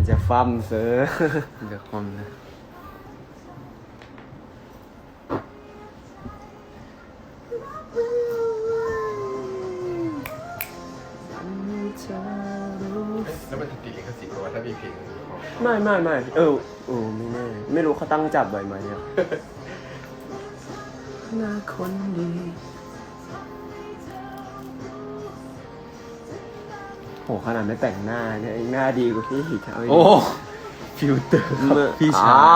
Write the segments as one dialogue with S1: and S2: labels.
S1: มันจะฟั่มเสือ
S2: เดี๋ยวคอมนะ
S3: แล้วมันติดลิขสิทธิ์เพราะว่าถ้ามีเพลง
S1: ไม่ไม่ไม่แน่ไม่รู้เขาตั้งจับไว้ไหมเนี่ยหน้าคนดีโหขนาดไม่แต่งหน้าเนี่ยหน้าดีกว่าพี่อีกโอ้
S2: ฟิลเตอร์ครับพี่ชาย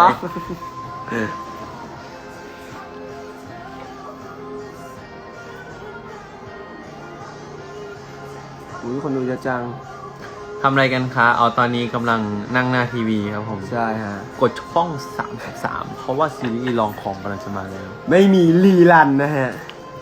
S1: อุ้ยคนดูเยอะจัง
S2: ทำอะไรกันคะเอาตอนนี้กำลังนั่งหน้าทีวีครับผม
S1: ใช่ฮะ
S2: กดช่อง33เพราะว่าซีรีส์ลองของกำลังจะมาแล้ว
S1: ไม่มีรีรันนะฮะ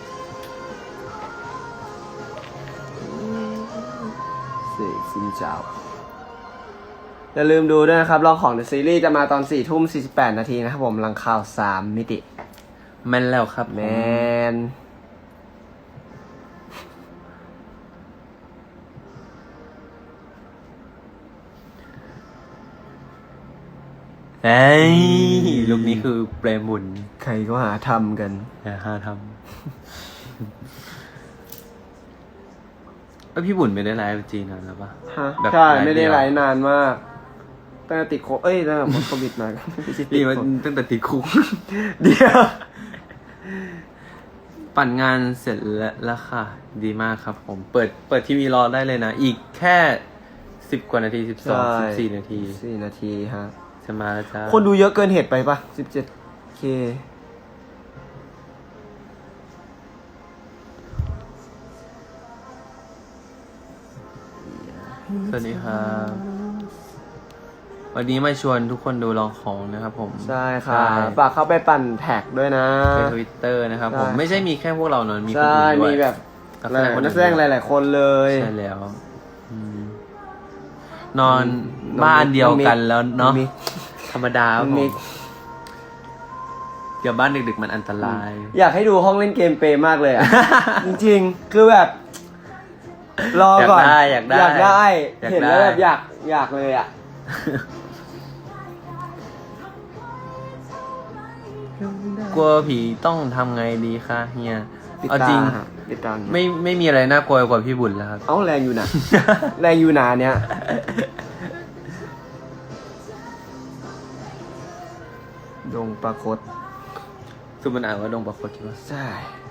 S1: เสกซินเจ้าอย่าลืมดูด้วยนะครับลองของ The Series จะมาตอน 4:48 นาทีนะครับผมหลังข่าว3มิติ
S2: แม่นแล้วครับ
S1: แมน
S2: เฮ้ยลูกนี้คือเปรมบุญ
S1: ใครก็หาทำกัน
S2: หาทำพี่บุญไม่ได้ไลฟ์จีนนานแล้วปะ
S1: ใช่ไม่ได้ไลฟ์นานมากตั้งแต่ติดโควิดตั้งแต่หมดโควิดมา
S2: ดีมันตั้งแต่ติดคุก
S1: เดียว
S2: ปั่นงานเสร็จแล้วค่ะดีมากครับผมเปิดทีวีรอได้เลยนะอีกแค่10 กว่านาที14 นาที
S1: 4 นาทีฮะ
S2: จะมาแล้วจ้า
S1: คนดูเยอะเกินเหตุไปปะ 17K
S2: สวัสดีครับวันนี้มาชวนทุกคนดูลองของนะครับผม
S1: ใช่ค่ะฝากเข้าไปปั่นแท็กด้วยนะ
S2: ใน Twitter นะครับผมไม่ใช่มีแค่พวกเราเนอะมีคน
S1: อื่น
S2: ด้วย
S1: มีแบบนักแสดงหลายๆคนเลย
S2: ใช่แล้วนอนบ้านเดียวกันแล้วเนาะธรรมดาผมเดี๋ยวบ้านดึกๆมันอันตราย
S1: อยากให้ดูห้องเล่นเกมเปย์มากเลยอ่ะ จริงๆคือแบบรอก่อน
S2: อยากได้
S1: เห็นแล้วแบบอยากเลยอ่ะ
S2: กลัวผีต้องทำไงดีคะเฮียเอาจริงไม่มีอะไรน่ากลัวกว่าพี่บุญแล้วครับ
S1: แรงอยู่นะ แรงอยู่นาเนี้ยดงปรากฏ
S2: คือมันอ่านว่าดงปรากฏใช่ไหม
S1: ใช่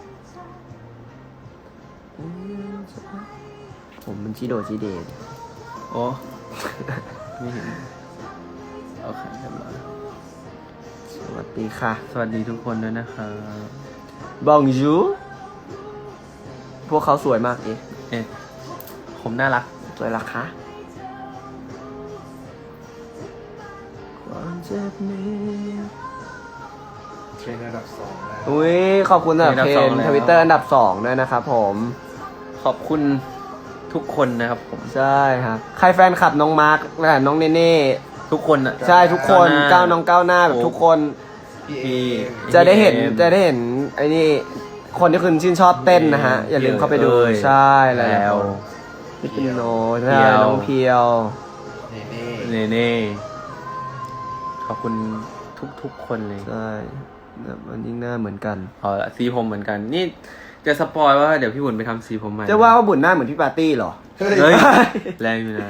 S1: ผมมันชิโดชิเดน
S2: โอ้ไม่เห็นโอเคเรียบร้อย
S1: สวัสดีค่ะ
S2: สวัสดีทุกคนด้วยนะครับ
S1: บองจูพวกเขาสวยมาก
S2: ผมน่ารัก
S1: สวยรักคะความเจ็บนี้
S3: เทรนอันดับ2แล้ว
S1: อุ้ยขอบคุณสำหรับเทรนทวิตเตอร์อันดับ2ด้วยนะครับผม
S2: ขอบคุณทุกคนนะครับผม
S1: ใช่ครับใครแฟนคลับน้องมาร์คและน้องเนเน่
S2: ทุกคนอ่ะ
S1: ใช่ทุกคนก้าวน้องก้าวหน้าแบบทุกคนจะได้เห็นไอ้นี่คนที่คุณชื่นชอบเต้นนะฮะอย่าลืมเข้าไปดูใช่แล้วพี่ปิโนใช่น้องเพียว
S2: เน่ขอบคุณทุกคนเลย
S1: ใช่แบบมันยิ่งหน้าเหมือนกัน
S2: ละสีผมเหมือนกันนี่จะสปอยว่าเดี๋ยวพี่บุญไปทำสีผมใหม่
S1: จะว่าบุญหน้าเหมือนพี่ปาร์ตี้เหรอ
S2: เฮ้ยแรงอยู่นะ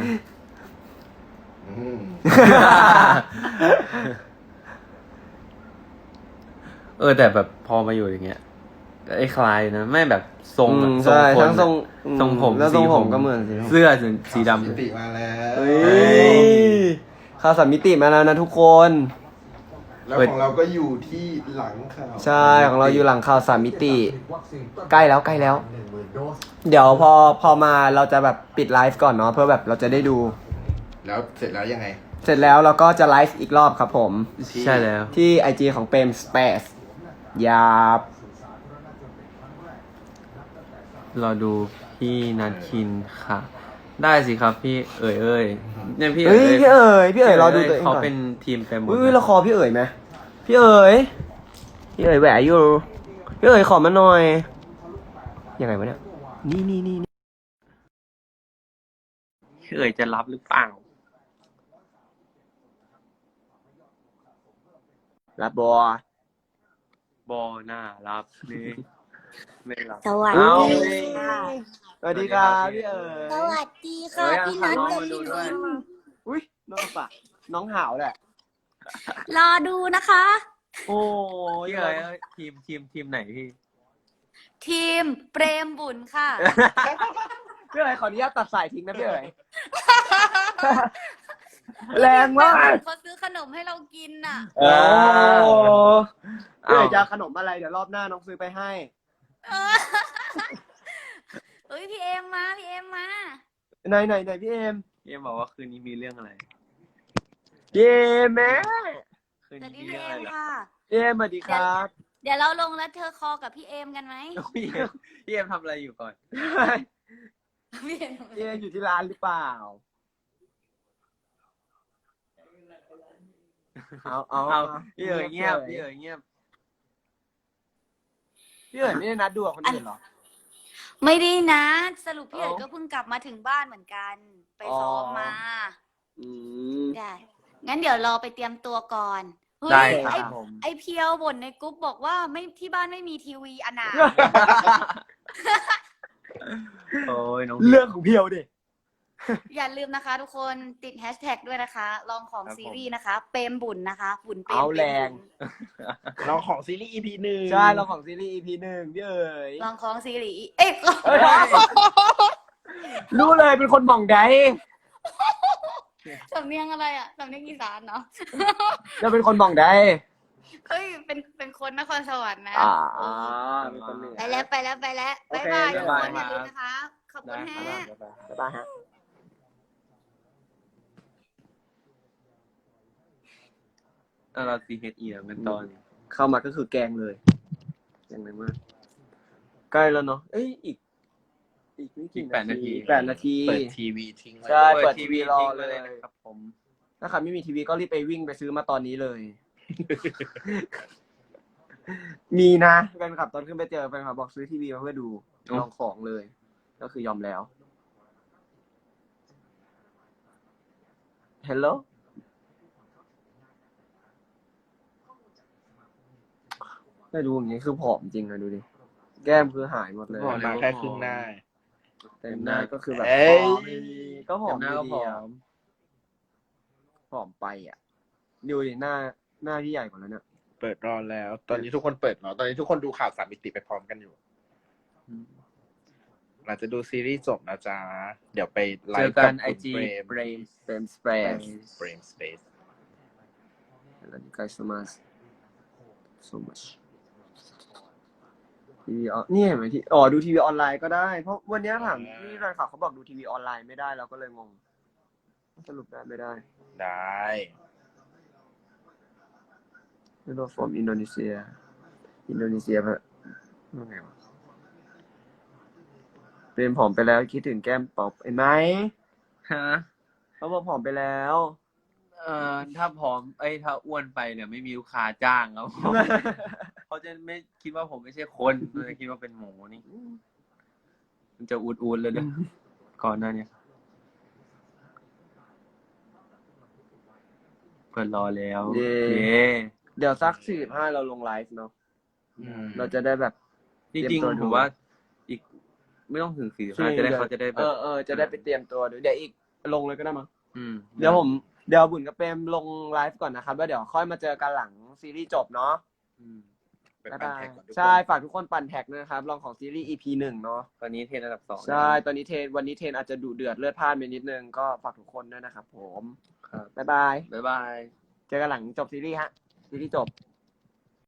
S2: แต่แบบพอมาอยู่อย่างเงี้ยไอ้คลายนะไม่แบบทรง
S1: ใช่ทั้ง
S2: ทรงผม
S1: แล้วทรงผมก็เหมือน
S2: เสื้อสีดำ
S3: มิติมาแล้ว
S1: ข่าว3 มิติมาแล้วนะทุกคน
S3: แล้วของเราก็อยู่ที่หลังข่าว
S1: ใช่ของเราอยู่หลังข่าว3 มิติใกล้แล้วเดี๋ยวพอมาเราจะแบบปิดไลฟ์ก่อนเนาะเพื่อแบบเราจะได้ดู
S3: แล้วเสร็จแล้วยังไง
S1: เสร็จแล้วเราก็จะไลฟ์อีกรอบครับผม
S2: ใช่แล้ว
S1: ที่ IG ของเปรมสเปซยาบ
S2: รอดูพี่นัทคินค่ะได้สิครับพี่เอ๋ยเนี่ยพี่
S1: รอดูตัวเอง
S2: เขาเป็นทีมเต็มหมด
S1: เราคอพี่เอ๋ยไหมพี่เอ๋ยแหวะอยู่พี่เอ๋ยขอมาหน่อยยังไงวะเนี่ยนี่
S2: พี่เอ๋ยจะรับหรือเปล่า
S1: รับบัว
S2: บอน่ารับนี่ไม่รับ
S4: สวัส
S1: เอ้า
S4: ดีค่ะ
S1: สวัสดีครับพี่เอ๋
S4: ส
S1: ย
S4: วัสดีค่ะ
S2: เอ้ย
S4: พี่นัท
S2: เอาน้อง
S4: กับ
S2: มาดู
S4: พี่
S2: ด้วย
S4: ลิน
S1: อุ้ยน้องปะน้องหาวแหละ
S4: รอดูนะคะ
S1: โอ้ย
S2: พี่เอ๋ยทีมไหนพี่
S4: ทีมเปรมบุญค่ะ
S1: พี่เอ๋ยขออนุญาตตัดสายทิ้งนะพี่เอ๋ย แรงมาก
S4: เขาซื้อขนมให้เรากินน่ะ
S1: โอ้พี่เอ๋ย
S2: อ้าว
S1: จะเอาขนมอะไรเดี๋ยวรอบหน้าน้องซื้อไปให้
S4: เฮ้ยพี่เอ็มมาพี่เอ็มมา
S1: ไหนพี่เอม
S2: พี่เอ็มบอกว่าคืนนี้มีเรื่องอะไร
S1: พี่เอมแม่
S2: คืน
S4: สวัส
S2: นี้
S4: ดี
S2: มี
S4: พี่
S2: เรื่อง
S4: เอ็
S2: อะไรเหรอ
S4: มค่ะ
S1: พี่เอมสวัสดีครับ
S4: เดี๋ยวเราลงแล้วเธอคอกับพี่เอ็มกันไหม
S2: พี่เอ็มทำอะไรอยู่ก่อน
S4: พี่เอ็ม
S1: พี่เอมอยู่ที่ร้านหรือเปล่า เอา
S2: พี่เอ๋ยเงียบพี่เอ๋ยเงียบ
S1: พี่เอ๋ยไม่ได้นัดดูกับคนอื่นเหรอ
S4: ไม่ได้นะสรุปพี่เอ๋ย
S1: เอ้า
S4: ก็เพิ่งกลับมาถึงบ้านเหมือนกัน ไปซ้อมมา
S1: อืม
S4: ได้งั้นเดี๋ยวรอไปเตรียมตัวก่อนเฮ้ย
S2: ได้ค
S4: ไอ้
S2: รับผม
S4: ไอเพียวบ่นในกรุ๊ปบอกว่าไม่ที่บ้านไม่มีทีวีอนาถ
S2: โอ้ยน้อง
S1: เรื่องของเพียวดิ
S4: อย่าลืมนะคะทุกคนติดแฮชแท็กด้วยนะคะ ลองของ
S2: ครับผม
S4: ซีรีส์นะคะ เปรมบุญนะคะ บุญเปรม
S1: เอาแรง
S3: น้องของซีรีส์ EP หนึ่ง
S1: ใช่เราของซีรีส์ EP 1พี่เอ๋ย
S4: ลองของซีรีส์เอ้ย
S1: รู้เลยเป็นคนหม่องใด
S4: สำเนียงอะไรอ่ะสำเนียงอีสานเนาะ
S1: จะเป็นคนหม่องใด
S4: เฮ้ยเป็นคนนครสวรรค์นะ
S1: เป็นคนเหนือ
S4: ไปแล้วไปแล้วไปแล้ว
S1: โอเค
S4: บ๊ายบายทุกคน
S1: บ๊ายบาย
S4: อย่าลืมนะคะ ขอบคุณ
S2: ได้
S4: ฮะ
S2: ครับ
S1: บ๊ายบายฮะ
S2: เรา CHE แล้วกันตอน
S1: เข้ามาก็คือแกงเลยแกงเลยมากใกล้แล้วเนาะเอ้ยอีกไม่กี่
S2: 8 นาที
S1: 8 นาที
S3: เปิดทีวีทิ้งไว้
S1: ใช่
S2: เปิ
S1: เปิ
S2: ด
S1: ด
S2: ที
S1: ที
S2: วี
S1: วีรอ
S2: ทิ้ง
S1: เล
S2: เลย
S1: ย
S2: นะครับผม
S1: ถ้าใครไม่มีทีวีก็รีบไปวิ่งไปซื้อมาตอนนี้เลย มีนะแฟนคลับตอนขึ้นไปเจอแฟนคลับบอกซื้อทีวีมาเพื่อดูลองของเลย ก็คือยอมแล้ว Hello ได้ดูอย่างนี้คือผอมจริงเลยดูดิ แก้มคือหายหมดเลย
S2: บอกเลย
S3: มา
S2: ว่า
S3: แค่ครึ่งหน้า
S1: เต็มหน้าก็คือแบบ
S3: เอ้ย
S1: ผอมดีก็ผอม
S2: เต็มหน้าก็
S1: ดี
S2: ผอ
S1: อะ
S2: ม
S1: ผอมไปอ่ะ ดูดิหน้าพี่ใหญ่กว่าแล้วเนี่ย
S3: เปิดรอแล้ว ตอนนี้ทุกคนเปิดรอตอนนี้ทุกคนดูข่าวสามมิติไปพร้อมกันอยู่หลังจะดูซีรีส์จบนะจ๊ะ เดี๋ยวไปไล
S2: เจอ
S3: ฟ์
S2: กั
S3: กัน บ
S2: IG
S3: เบรม
S1: Frame Spread
S3: Brain Space
S1: Thank you guys so much so much ทีวีนี่เห็นไหมที่ดูทีวีออนไลน์ก็ได้ เพราะวันนี้ถามนี่แฟนคลับเขาบอกดูทีวีออนไลน์ไม่ได้เราก็เลยงง สรุปได้ไม่ได้
S3: ได้
S1: ไม่รู้ from อินโดนีเซียแบบว่าไงวะเป็นผอมไปแล้วคิดถึงแก้มป๊อปเห็นไหม
S2: ฮะ
S1: เขาบอกผอมไปแล้ว
S2: ถ้าผอมถ้าอ้วนไปเนี่ยไม่มีลูกค้าจ้างครับผม เขาจะไม่คิดว่าผมไม่ใช่คนเขาจะคิดว่าเป็นหมูนี่ มันจะอูดๆเลยเลยก่อนหน้านี้เปิดรอแล้ว
S1: เย้
S2: เย้
S1: เดี๋ยวสัก45เราลงไลฟ์เนาะ เราจะได้แบบ
S2: จริง
S1: เตรียมตัว
S2: ๆ
S1: ดู
S2: ผมว่าอีกไม่ต้องถึง45จะได้เขาจะได้แบบ
S1: จะได้ไปเตรียมตัวดูเดี๋ยวอีกลงเลยก็ได้มั้ง
S2: ม
S1: เดี๋ยวบุญกับเปรมลงไลฟ์ก่อนนะครับแล้วเดี๋ยวค่อยมาเจอกันหลังซีรีส์จบเนาะ
S2: อืม
S3: ไปปั่นแท็กก่อนทุกคน
S1: ใช่ฝากทุกคนปั่นแท็กด้วยนะครับลองของซีรีส์ EP 1เนาะ
S2: ตอนนี้เทรนอันดับ 2
S1: ใช่ตอนนี้วันนี้เทรนอาจจะดุเดือดเลือดพล่านไปนิดนึงก็ฝากทุกคนด้วยนะครับผม
S2: ครับ
S1: บ๊ายบาย
S2: บ๊ายบาย
S1: เจอกันหลังจบซีรีส์ฮะซีรีส์จบ